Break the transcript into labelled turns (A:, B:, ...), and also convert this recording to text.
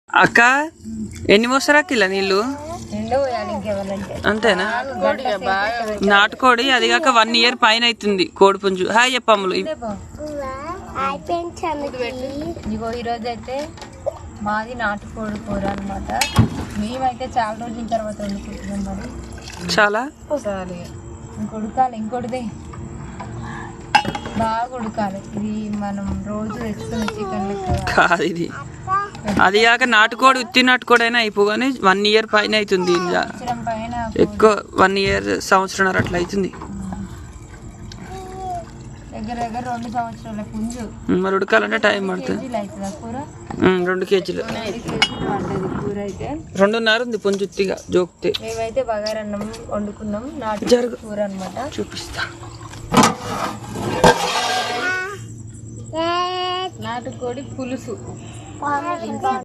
A: అక్క ఎన్ని మోస్తారా కిలో నీళ్ళు? అంతేనా? నాటుకోడి అది కాక 1 year పైన అవుతుంది కోడి పుంజు. హాయ్ చెప్పమ్ములు.
B: ఇగో ఈరోజు అయితే మాది నాటుకోడి కూర అనమాట. మేమైతే చాలా రోజుల తర్వాత వండుకుంటున్నాం. మరి
A: చాలా
B: ఇంకొడిదే బాగా ఉడకాలి. ఇది మనం రోజు తెచ్చుకున్న చికెన్
A: కాదు ఇది. అది కాక నాటుకోడి ఉత్తి నాటుకోడి అయినా అయిపోగానే 1 year పైన అవుతుంది.
B: పైన
A: ఎక్కువ 1 year సంవత్సరం అట్లా అవుతుంది.
B: దగ్గర 2 సంవత్సరాల పుంజు.
A: మరి ఉడకాలంటే టైం పడుతుంది. 2 kgs.
B: కూర అయితే
A: 2.5 ఉంది పుంజు ఉత్తిగా జోక్తే.
B: మేమైతే బగారన్నం వండుకున్నాం. నాటుకోడి కూర అనమాట.
A: చూపిస్తా.
B: నాటుకోడి పులుసు.